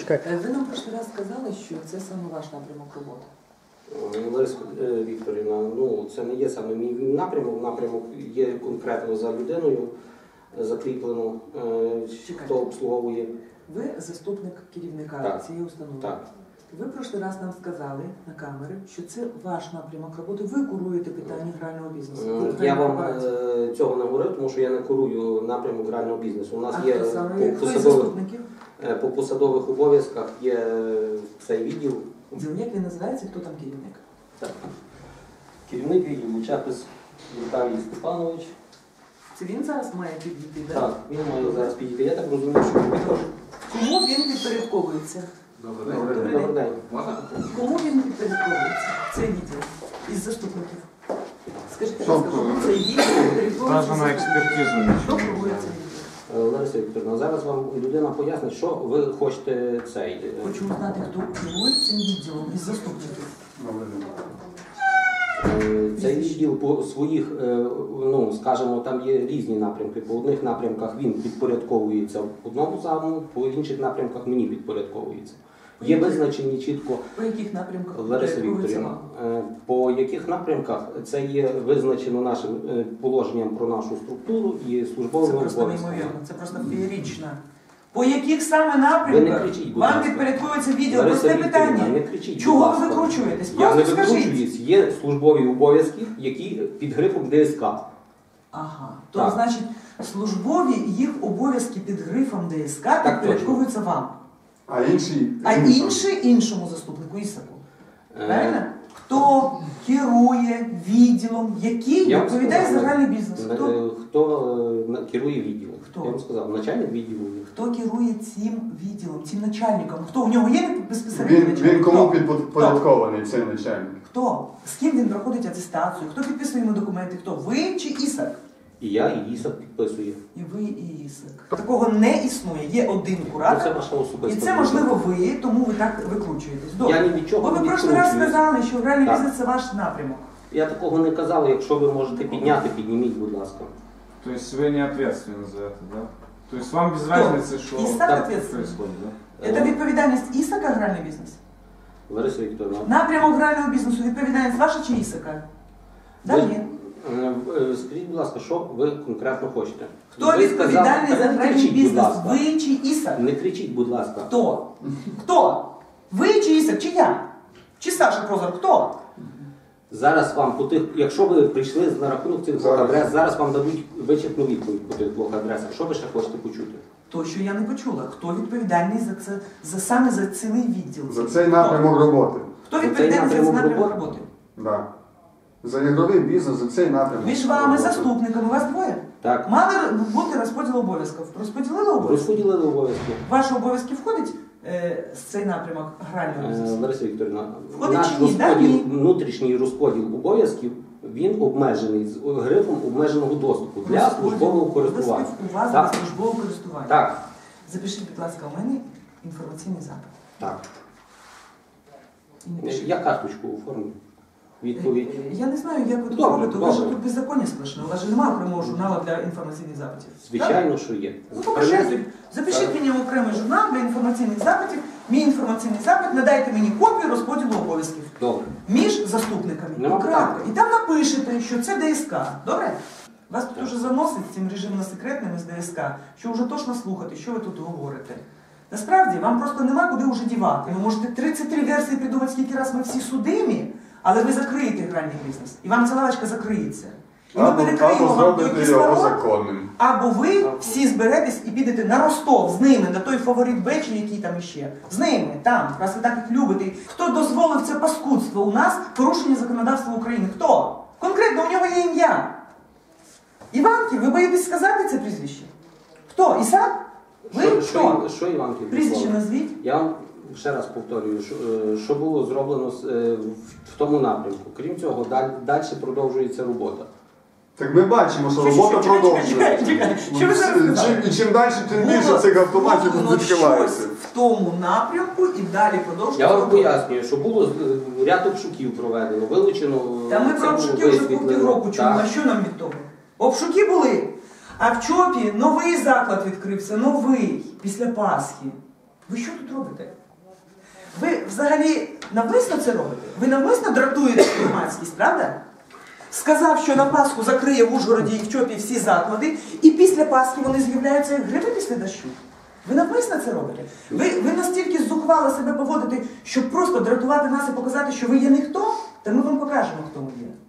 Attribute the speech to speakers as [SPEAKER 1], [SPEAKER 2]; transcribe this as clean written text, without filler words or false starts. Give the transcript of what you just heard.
[SPEAKER 1] Чекай.
[SPEAKER 2] Ви нам прошлий раз сказали, що це саме ваш напрямок роботи.
[SPEAKER 3] Лариса Вікторівна, ну це не є саме мій напрямок. Напрямок є конкретно за людиною закріплено, хто обслуговує.
[SPEAKER 2] Ви заступник керівника
[SPEAKER 3] Так.
[SPEAKER 2] цієї установи.
[SPEAKER 3] Так.
[SPEAKER 2] Ви прошлий раз нам сказали на камери, що це ваш напрямок роботи. Ви куруєте питання грального бізнесу.
[SPEAKER 3] Я вам цього не говорив, тому що я не курую напрямок грального бізнесу. У нас є по посадових обов'язках є цей відділ.
[SPEAKER 2] Як він називається, хто там керівник?
[SPEAKER 3] Так. Керівник відділу Чепис Віталій Степанович.
[SPEAKER 2] Це він зараз має підійти, так?
[SPEAKER 3] Так, він має зараз підійти. Я так розумію, що він підходить.
[SPEAKER 2] Кому він підпорядковується?
[SPEAKER 3] Добрий день.
[SPEAKER 2] Кому він підпорядковується? Цей відділ із заступників. Скажіть, будь ласка, кому цей відділ підпорядковується?
[SPEAKER 4] Навіть на експертизу
[SPEAKER 2] Хто курує цей відділ?
[SPEAKER 3] Лариса Вікторівна, зараз вам людина пояснить, що ви хочете цей.
[SPEAKER 2] Хочу знати, хто керує цим відділом із заступників.
[SPEAKER 3] Цей відділ по своїх, ну, скажімо, там є різні напрямки. По одних напрямках він підпорядковується одному заму, по інших напрямках мені підпорядковується. Є визначені чітко.
[SPEAKER 2] По яких напрямках?
[SPEAKER 3] Лариса Вікторівна, по яких напрямках це є визначено нашим положенням про нашу структуру і службовим обов'язком.
[SPEAKER 2] Це просто неймовірно, це просто феєрично. По яких саме напрямках вам підпорядковується відділ? Просте питання.
[SPEAKER 3] Не кричіть,
[SPEAKER 2] чого ви викручуєтесь?
[SPEAKER 3] Я не
[SPEAKER 2] Просто скажіть.
[SPEAKER 3] викручуюсь. Є службові обов'язки, які під грифом ДСК.
[SPEAKER 2] Ага. То значить, службові їх обов'язки під грифом ДСК підпорядковуються вам.
[SPEAKER 5] А інші?
[SPEAKER 2] А іншому заступнику Ісаку. Правильно? Хто керує відділом, який відповідає за гральний бізнес?
[SPEAKER 3] Хто керує відділом?
[SPEAKER 2] Хто?
[SPEAKER 3] Я вам сказав, начальник відділу.
[SPEAKER 2] Хто керує цим відділом, цим начальником? Хто? У нього є безпосередньо начальник?
[SPEAKER 5] Він кому підпорядкований цей начальник?
[SPEAKER 2] Хто? З ким він проходить атестацію? Хто підписує йому документи? Хто? Ви чи Ісак?
[SPEAKER 3] І я, і Ісак підписує.
[SPEAKER 2] І ви, і Ісак. Такого не існує. Є один куратор.
[SPEAKER 3] Це ваша особиста.
[SPEAKER 2] І це, можливо, ви, тому ви так викручуєтесь.
[SPEAKER 3] Я ні від чого
[SPEAKER 2] Бо
[SPEAKER 3] не
[SPEAKER 2] ви прошлий раз
[SPEAKER 3] відкручуюсь.
[SPEAKER 2] сказали, що гральний бізнес – це ваш напрямок.
[SPEAKER 3] Я такого не казав. Якщо ви можете підняти, підніміть, будь ласка.
[SPEAKER 4] То есть вы не ответственны за это, да? То есть вам без разницы, что
[SPEAKER 2] Исаак
[SPEAKER 4] там
[SPEAKER 2] ответственный.
[SPEAKER 4] происходит, да?
[SPEAKER 2] Це відповідальність Ісака гральний бізнес?
[SPEAKER 3] Лариса Вікторівна.
[SPEAKER 2] Напрямок грального бізнесу відповідальність ваша чи Ісака? Да, ні.
[SPEAKER 3] Скажіть, будь ласка, що ви конкретно хочете?
[SPEAKER 2] Хто відповідальний за гральний бізнес? Ви чи Ісак?
[SPEAKER 3] Не кричіть, будь ласка.
[SPEAKER 2] Хто? Хто? Ви чи Ісак? Чи я? Чи Саша Прозор? Хто?
[SPEAKER 3] Зараз вам по тих, якщо ви прийшли на рахунок цих двох адрес, зараз вам дадуть вичерпну відповідь по тих двох адресах. Що ви ще хочете почути?
[SPEAKER 2] То, що я не почула. Хто відповідальний за це, саме за цілий відділ?
[SPEAKER 5] За цей напрямок роботи.
[SPEAKER 2] Хто відповідальний за цей напрямок роботи?
[SPEAKER 5] Так. За ігровий бізнес, за цей напрямок.
[SPEAKER 2] Між вами заступниками, вас двоє?
[SPEAKER 3] Так.
[SPEAKER 2] Мали бути розподіл обов'язків. Розподілили обов'язки?
[SPEAKER 3] Розподілили обов'язки.
[SPEAKER 2] Ваші обов'язки входить цей напрямок грального бізнесу?
[SPEAKER 3] Лариса Вікторівна,
[SPEAKER 2] Входить
[SPEAKER 3] наш
[SPEAKER 2] чи ні?
[SPEAKER 3] розподіл, внутрішній розподіл обов'язків, він обмежений з грифом обмеженого доступу для службового користування.
[SPEAKER 2] У вас для службового користування?
[SPEAKER 3] Так.
[SPEAKER 2] Запишіть, будь ласка, у мене інформаційний запит.
[SPEAKER 3] Так. Я карточку оформлю. Відповідь.
[SPEAKER 2] Я не знаю, як ви тут робите. У вас же тут беззаконня сплошне. У вас же немає окремого журналу для інформаційних запитів.
[SPEAKER 3] Звичайно, що є.
[SPEAKER 2] Ну, покажіть. Запишіть мені окремий журнал для інформаційних запитів. Мій інформаційний запит, надайте мені копію розподілу обов'язків.
[SPEAKER 3] Добре.
[SPEAKER 2] Між заступниками. І там напишете, що це ДСК. Добре? Вас тут уже заносить цим режимно секретним з ДСК, що вже точно слухати, що ви тут говорите. Насправді, вам просто нема куди вже дівати. Ви можете 33 версії придумати, скільки раз ми всі судимі, але ви закриєте гральний бізнес. І вам ця лавочка закриється. І ми перекриємо вам той кислород, або ви всі зберетесь і підете на Ростов з ними, на той фаворит Бечі, який там іще. З ними, там, раз ви так їх любите. Хто дозволив це паскудство у нас, порушення законодавства України? Хто? Конкретно, у нього є ім'я. Іванків, ви боїтесь сказати це прізвище? Хто? Ісак? Ви? Хто?
[SPEAKER 3] Що Іванків?
[SPEAKER 2] Прізвище назвіть.
[SPEAKER 3] Я вам ще раз повторюю, що було зроблено в тому напрямку. Крім цього, далі продовжується робота.
[SPEAKER 5] Так ми бачимо, що робота продовжується.
[SPEAKER 2] Що ви зараз сказали?
[SPEAKER 5] І чим далі, тим більше цих автоматів відкривається.
[SPEAKER 2] В тому напрямку і далі продовжується.
[SPEAKER 3] Я вам пояснюю, що було ряд обшуків проведено, вилучено...
[SPEAKER 2] Та ми про обшуки вже півроку чуємо, а що нам від того? Обшуки були. А в ЧОПі новий заклад відкрився, новий, після Пасхи. Ви що тут робите? Ви взагалі навмисно це робите? Ви навмисно дратуєте громадськість, правда? Сказав, що на Пасху закриє в Ужгороді і в ЧОПі всі заклади, і після Пасхи вони з'являються як гриби після дощу. Ви навмисно це робите? Ви настільки зухвало себе поводите, щоб просто дратувати нас і показати, що ви є ніхто? Та ми вам покажемо, хто ми є.